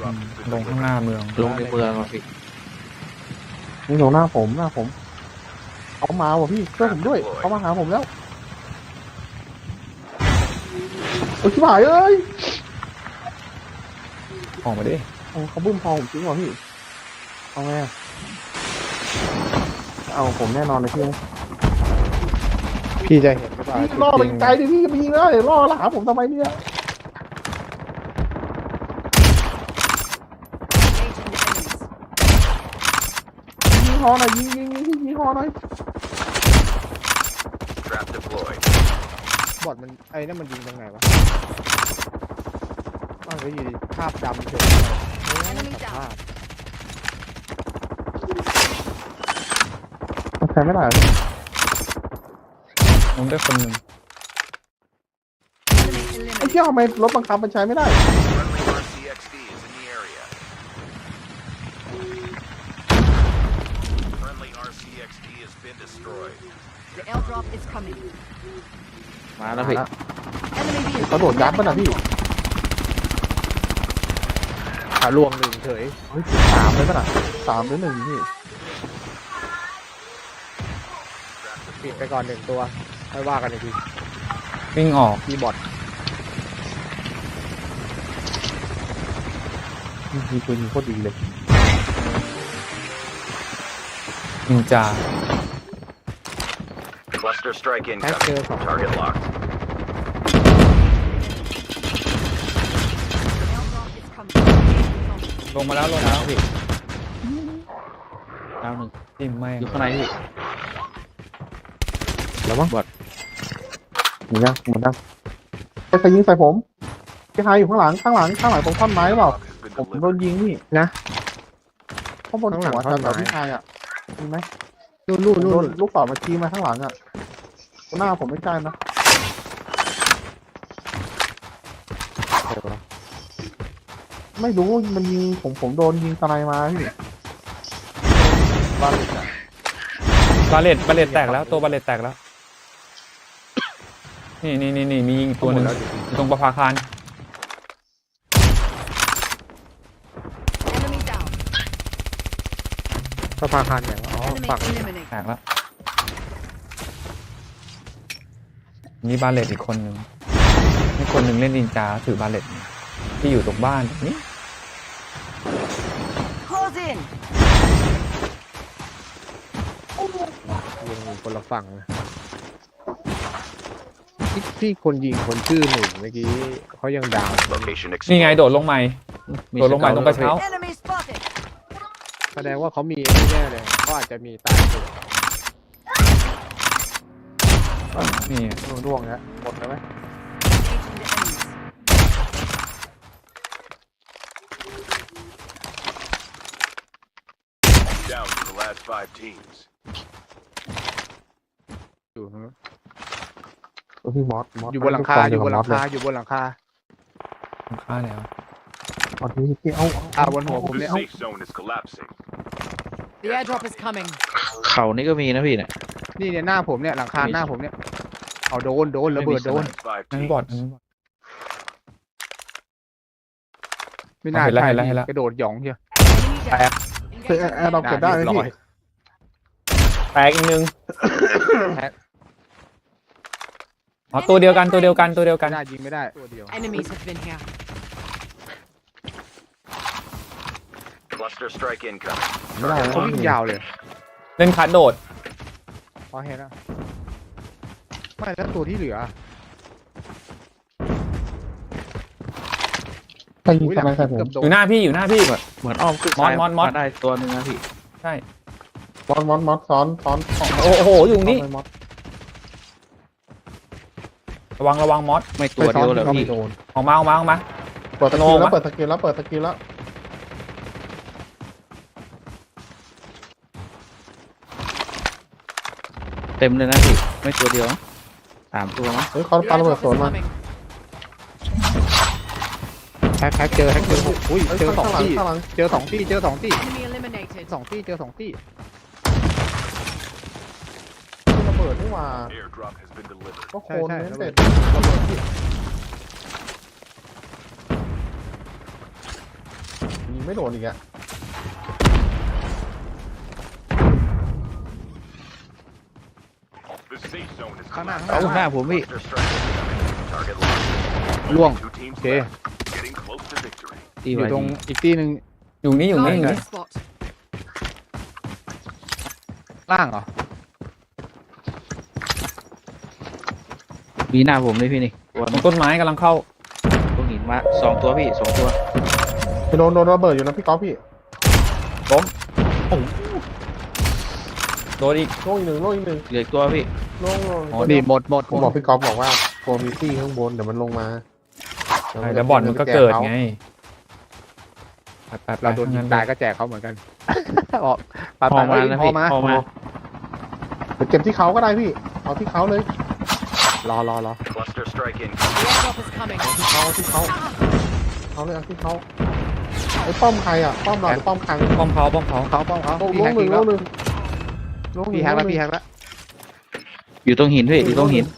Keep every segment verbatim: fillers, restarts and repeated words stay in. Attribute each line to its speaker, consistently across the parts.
Speaker 1: ลงข้างหน้าเมือง
Speaker 2: ลงในเมืองอ่ะพี่
Speaker 3: นี่ลงหน้าผมหน้าผมเขามาว่ะพี่ช่วยผมด้วยเขามาหาผมแล้วโอ้ยชิบหายเอ้ย
Speaker 1: ออกมาดิ
Speaker 3: เขาบึ้มพอผมจริงเหรอพี่เอาไงเอาผมแน่นอนเลยพี่พี่จะเห็นหรือเปล่าล่อไปไกลดิพี่ไปยิงเลยล่อแล้วหาผมทำไมเนี่ยยิงฮอหน่อยยิงยิงยิงยิงฮอหน่อยบอดมันไอ้นั่นมันยิงตรงไหนวะมันก็อยู่ภาพดำเฉยมันใช้ไม่ได้
Speaker 1: ลงได้คนหนึ่ง
Speaker 3: ไอ้เจ้าทำไมรถบังคับมันใช้ไม่ได้
Speaker 2: มาแล้วพี่
Speaker 3: เขาโดดยัดป่ะนะพี่ขาลวงหนึ่งเฉยเฮ้ยสามเลยป่ะนะสามหรือหนึ่งพี่ปิดไปก่อนหนึ่งตัวไม่ว่ากันอีกที
Speaker 1: วิ่งออก
Speaker 3: มีบอทมีปืนยิงโคตรดีเลย
Speaker 1: นินจา
Speaker 4: Cluster strike incoming. Target locked.
Speaker 1: ลงมาแล้วลงมาแล้วพี่
Speaker 2: ดาวหนึ่ง
Speaker 1: จิ้มไม่
Speaker 2: อยู่ข้างในพี่
Speaker 3: แล้วมั้งบอทหมดยังหมดยังใครยิงใส่ผมพี่ไฮอยู่ข้างหลังข้างหลังข้างหลังตรงท่อนไม้หรือเปล่าผมโดนยิงพี่นะข้างบนหัวท่อนไม้พี่ไฮอ่ะมีไหมนู่นนู่นนู่นลูกศรมาชี้มาข้างหลังอ่ะหน้าผมไม่ใช่นะไม่รู้มันยิงผมผมโดนยิงสไนมาพี่บาเลต
Speaker 1: บาเลตบาเลตแตกแล้วตัวบาเลตแตกแล้วนี่นี่นี่นี่มีตัวหนึ่งตรงประภาคาร
Speaker 3: ประภาคารอย่างอ๋อฝั่ง
Speaker 1: แตกแล้วนี่บาเลตอีกคนหนึ่งนี่คนหนึ่งเล่นนินจาถือบาเลตที่อยู่ตรงบ้านนี่
Speaker 3: ยิงคนละฝั่งพี่คนยิงคนชื่อหนึ่งเมื่อกี้เขายังดาว
Speaker 1: นี่ไงโดดลงใหม่โดดลงใหม่ตรงกระเช้า
Speaker 3: แสดงว่าเขามีแน่เลยเขาอาจจะมีตายตัว
Speaker 1: นี่
Speaker 3: ร่วงแล้วหมดแล้วไหมอยู่ฮะพี่มอสมอสอยู่บนหลังคาอยู่บนหลังคาอยู่บนหลังคา
Speaker 1: หลังคาแล้ว
Speaker 3: อ๋อที่ที่เอาเอาบนหัวผมเนี่ยเอา
Speaker 2: เขานี่ก็มีนะพี่เนี่ย
Speaker 3: นี่เนี่ยหน้าผมเนี่ยหลังคาหน้าผมเนี่ยเอาโดนโดนระเบิดโดน
Speaker 1: นั่นบอดนั่นบอด
Speaker 3: ไม่น่าใช่กระโดดหยองเชียวแตกคือแอร์เราเก็บได้ไหมพี่
Speaker 1: แตกอีกหนึ่งอ๋อตัวเดียวกันตัวเดียวกันตัวเดียวกัน
Speaker 3: ได้ยิงไม่ได้ตัวเดียว
Speaker 4: Cluster strike incoming.
Speaker 3: ไม่ได้เขาวิ่งยาวเลย
Speaker 1: เล่นคัดโดด
Speaker 3: พอเห็นแล้วไม่แล้วตัวที่เหลือใครยิงทำไมใครผม
Speaker 1: อยู่หน้าพี่อยู่หน้าพี่
Speaker 2: เหมือนอ้อมขึ้นมอสมอสมอสได้ตัวนึงนะพี่
Speaker 1: ใช่
Speaker 3: มอสมอสมอสซ้อนซ้อน
Speaker 1: โอ้โหอยู่นี่ระวังระวังมอส
Speaker 2: ไม่ตัวเดียวเลยพี่
Speaker 1: ออกมาออกมาออกมา
Speaker 3: เปิดตะกี้แล้วเปิดตะกี้แล้วเปิดตะกี้แล้ว
Speaker 2: เต็มเลยนะพี่ไม่ตัวเดียวสามตัวมั้ง
Speaker 3: เฮ้ยเขาปาระเบิดสวนมาแฮกแฮกเจอแฮกเจออุ้ยเจอสองที่เจอสองที่เจอสองที่สองที่เจอสองที่ระเบิดนี่ว่าก็โคนเสร็จระเบิดที่ไม่โดนอีกอะ
Speaker 4: The safe zone is
Speaker 3: ข้างหน้า
Speaker 4: collapsed.
Speaker 3: ข้างห
Speaker 2: เอาห
Speaker 3: น้า
Speaker 2: น้าผมพี่
Speaker 4: Cluster strike incoming. Target locked.
Speaker 3: ล่วง
Speaker 4: Two teams
Speaker 3: Okay.
Speaker 4: left. Getting close to victory.
Speaker 2: ตี
Speaker 3: อ
Speaker 2: ไว้
Speaker 3: ยู่ตรง
Speaker 2: ดี
Speaker 3: อีกที่หนึ่ง
Speaker 1: อยู่นี่อยู่นี่อยู่
Speaker 5: Marking
Speaker 1: นี่
Speaker 5: the spot.
Speaker 3: ล่างเหรอ
Speaker 2: มีหน้าผมเลยพี่นี่ตัว
Speaker 1: ตรงต้นไม้กำลังเข้า
Speaker 2: ตรงหินมาสองตัวพี่สองตัว
Speaker 3: จะโดนโดนระเบิดอยู่นะพี่ก๊อฟพี่
Speaker 1: ล้มโดนอีก
Speaker 3: โล่อีกหนึ่งโล่อีกหนึ่ง
Speaker 2: เหลืออีกตัวพี่
Speaker 3: โล่โล่
Speaker 1: อ๋อ
Speaker 3: นี่หมดหมดผมบอกพี่ก๊อฟบอกว่าโฟมิตี้ข้างบนเดี๋ยวมันลงมา
Speaker 1: ใช่แล้วบอลมันก็เกิดไงไปไปไป
Speaker 3: เราโดนยิงตายก็แจกเขาเหมือนกัน ออกไป
Speaker 2: พ
Speaker 3: ไป
Speaker 2: อมา
Speaker 3: เอ้ย
Speaker 2: แล้ว
Speaker 3: พอ
Speaker 2: พี่
Speaker 3: มา
Speaker 2: พอมา
Speaker 3: เดี๋ยวเก็บที่เขาก็ได้พี่ เอาที่เขาเลย รอรอรอ
Speaker 4: Cluster strike incoming.
Speaker 5: The airdrop is coming.
Speaker 3: ที่เขาที่เขาเขาเลยเอาที่เขาไอ้ป้อมใครอ่ะป้อมเราหรือป้อมใคร
Speaker 1: ป้อมเขาป้อมเขา
Speaker 3: เขาป้อมเขา
Speaker 2: พี่
Speaker 3: ล
Speaker 2: แฮ
Speaker 3: ง
Speaker 2: ก
Speaker 3: หนึ่ง
Speaker 2: อีก
Speaker 3: ล
Speaker 2: แล้ว
Speaker 3: งหนึ่งลงหนึ่ง
Speaker 2: พี่แฮกแล้ว
Speaker 3: งหนึ่ง
Speaker 2: พี่แฮกแล้วอยู่ตรงหินพี่อยู่ตรงหิน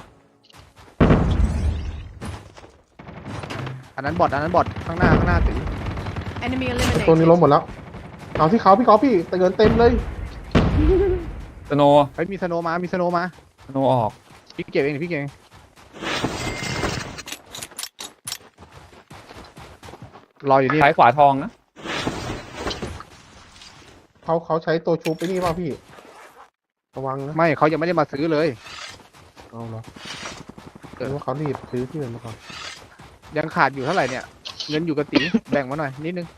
Speaker 3: อันนั้นบอทอันนั้นบอทข้างหน้าข้างหน้าตี
Speaker 5: Enemy
Speaker 3: ตัวนี้ล้ม
Speaker 5: eliminated.
Speaker 3: หมดแล้ว เอาที่เขาพี่ก๊อฟพี่แต่เงินเต็มเลย
Speaker 1: สโนว์
Speaker 3: ไอ้ยมีสโนว์มา มีสโนว์มา
Speaker 1: สโนว์ออก
Speaker 3: พี่เก็บเองพี่เก็บเองรออยู่นี่
Speaker 1: ซ้ายขวาทองนะ
Speaker 3: เขาเขาใช้ตัวชูไปนี่เปล่าพี่ ระวังนะไม่เขายังไม่ได้มาซื้อเลย เอาเหรอเกิดว่าเขารีบซื้อที่อื่นมาก่อน ยังขาดอยู่เท่าไหร่เนี่ย เงินอยู่กับตี แบ่งมาหน่อยนิดนึง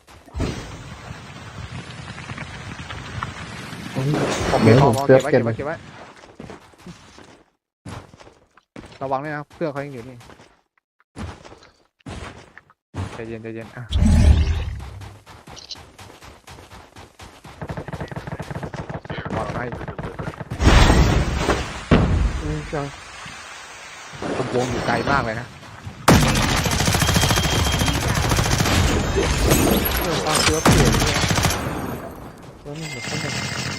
Speaker 3: โอเคพอพอเก็บไว้เก็บไว้เก็บไว้ระวังด้วยนะเพื่อนเขายังอยู่นี่ใจเย็นใจเย็นอ่ะปลอดภัยอืมจังวงอยู่ไกลมากเลยนะเรื่องความเชื่อเปลี่ยนเนี่ยแล้วนี่แบบต้องแบบ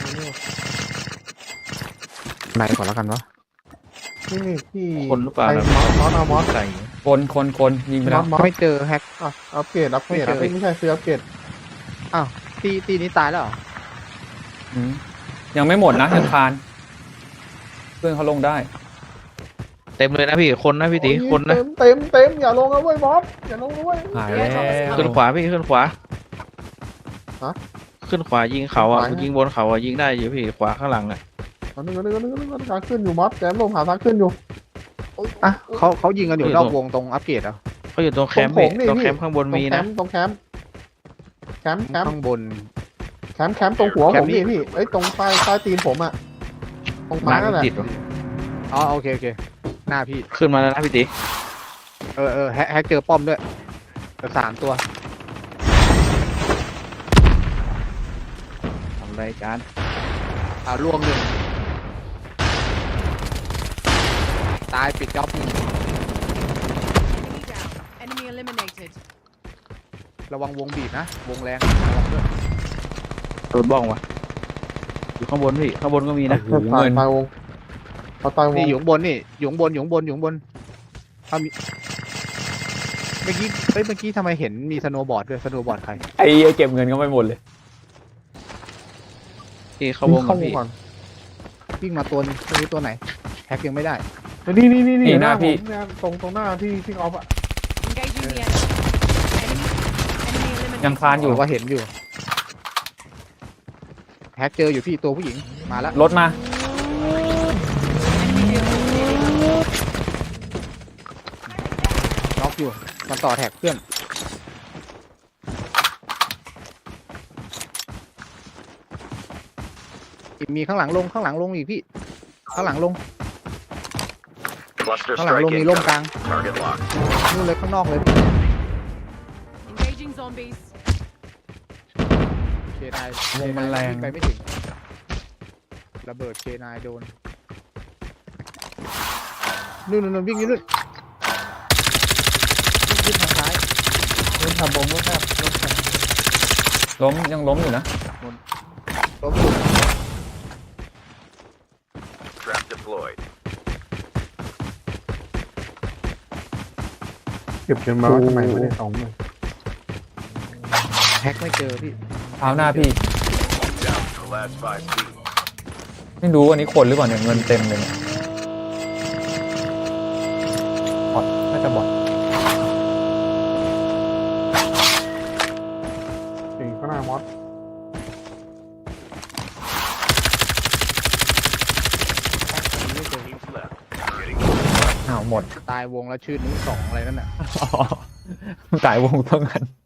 Speaker 3: ไหนก่อนแล้วกันวะนี่นี่พี่
Speaker 2: คนหรือเปล่า
Speaker 3: ไอ้มอสมอสเอามอส
Speaker 2: ใส่
Speaker 1: คนคนคนยิงไป
Speaker 3: ม
Speaker 1: แล้
Speaker 3: อ
Speaker 1: ว
Speaker 3: สมอสไม่เจอแฮกอ่ะอัปเกรดอัปเกรด
Speaker 2: ไม่เจอ
Speaker 3: เอ้ยไม่ใช่ซื้ออัปเกรดอ้าวตีตีนี้ตายแล้วเหรอ
Speaker 1: อืมยังไม่หมดนะยังคานเพื่อนเขาลงได้
Speaker 2: เต็มเลยนะพี่คนนะพี่ตี
Speaker 3: โอ้ย
Speaker 2: คนนะ
Speaker 3: เต็มเต็มเต็มอย่าลงนะเว้ยมอสอย่าลงนะเว้ย
Speaker 1: หายแล้ว
Speaker 2: ขึ้นขวาพี่ขึ้นขวา
Speaker 3: ฮะ
Speaker 2: ขึ้นขวายิงเขาอ่ะ
Speaker 3: ขวานะ
Speaker 2: ยิงบนเขาอ่ะยิงได้อยู่พี่ขวาข้างหลังอ่ะ
Speaker 3: เอาหนึ่งเอาหนึ่งเอาหนึ่งเอาหนึ่งเอาหนึ่งทางขึ้นอยู่มอสแกมลงหาทางขึ้นอยู่อ่ะเขาเขายิงกันอยู่นอกวงตรงอัปเกรดอ่ะ
Speaker 2: เขาอยู่ตรงแคมป์
Speaker 3: ตร
Speaker 2: พี่
Speaker 3: งผมนี่
Speaker 2: ตรง
Speaker 3: พี่
Speaker 2: แคมป์ข้างบน
Speaker 3: ตรง
Speaker 2: มี
Speaker 3: แค
Speaker 2: นะ
Speaker 3: มป์ตรงแคมป์แคมป์แคมป์
Speaker 2: ข้างบน
Speaker 3: แคมป์แคมป์ตรงหัว
Speaker 2: แค
Speaker 3: ผม
Speaker 2: ป์นี้
Speaker 3: นี่พี่เอ้ยตรงใต้ใต้ตีนผมอ่ะตรงม้า
Speaker 2: มา
Speaker 3: นั่นแหละ
Speaker 2: ติดวะ
Speaker 3: อ๋อโอเคโอเคหน้าพี่
Speaker 2: ขึ้นมาแล้วนะพี่ตี
Speaker 3: เออเออแฮกแฮกเจอป้อมด้วยเจอสามตัว
Speaker 2: ทำรายการ
Speaker 3: อ่าร่วงหนึ่งตายปิดจ็อบหนึ่ง
Speaker 5: Enemy down. Enemy eliminated.
Speaker 3: ระวังวงบีบนะวงแรงระวังด้วย
Speaker 2: โดนบ้องวะอยู่ข้างบนพี่ข้างบนก็มีนะ
Speaker 1: โอ้โหเงิน
Speaker 3: ตายวงเขาตายวงนี่อยู่ข้างบนนี่อยู่ข้างบนอยู่ข้างบนอยู่ข้างบนถ้ามีเมื่อกี้เอ้ยเมื่อกี้ทำไมเห็นมีสโนว์บอร์ดด้วยสโนว์บอร์ดใคร
Speaker 1: ไอ้เหี้ยเก็บเงินก็ไม่หมดเลย
Speaker 2: พี่เข้าวงก่อนพี่
Speaker 3: ก่อนวิ่งมาตัวนึงไม่รู้ตัวไหนแฮกยังไม่ได้นี่นี่นี่
Speaker 1: นี่หน้าพี่
Speaker 3: ผมเนี่ยตรงตรงหน้าพี่พี่ออฟอะ
Speaker 5: Engaging the enemy. Enemy. Enemy eliminated.
Speaker 1: ยังคานอยู่
Speaker 3: ว่าเห็นอยู่แฮกเจออยู่พี่ตัวผู้หญิงมาแล้ว
Speaker 1: รถมา
Speaker 5: Enemy vehicle nearly lost.
Speaker 3: ล็อกอยู่มันต่อแท็กเพื่อนมีข้างหลังลงข้างหลังลงอีกพี่ข้างหลังลง
Speaker 4: Cluster
Speaker 3: ข้างหลัง
Speaker 4: strike
Speaker 3: ลงมีร่มก
Speaker 4: incoming.
Speaker 3: ลาง
Speaker 4: Target locked.
Speaker 3: นู่นเลยข้างนอกเลย
Speaker 5: Engaging zombies.
Speaker 3: เคนาย
Speaker 1: วงมันแรง
Speaker 3: ไปไม่ถึงระเบิดเคนายโดนนู่นนู่นวิ่งอยู่นู่นวิ่งทางซ้ายเล่นทำบอมก็แคบรถแคบ
Speaker 1: ล้มยังล้มอยู่นะ
Speaker 3: รถสุด
Speaker 4: Trap deployed.
Speaker 3: เก็บเงินมาทำไมไม่ได้สองหมื่น
Speaker 2: แฮ็กไม่เจอพี่
Speaker 1: เท้าหน้าพี่
Speaker 4: Down to the last five teams.
Speaker 1: ไม่รู้อันนี้คนหรือเปล่าเนี่ยเงินเต็มเลยเนี่ยบอทน่าจะบอท
Speaker 3: สี่ข้างหน้ามอส
Speaker 4: Teams left. Getting close.
Speaker 1: อ้าวหมด
Speaker 2: ตายวงแล้วชื่อนี้สองอะไรนั่นน่ะ
Speaker 1: อ๋อ สายวงเท่ากัน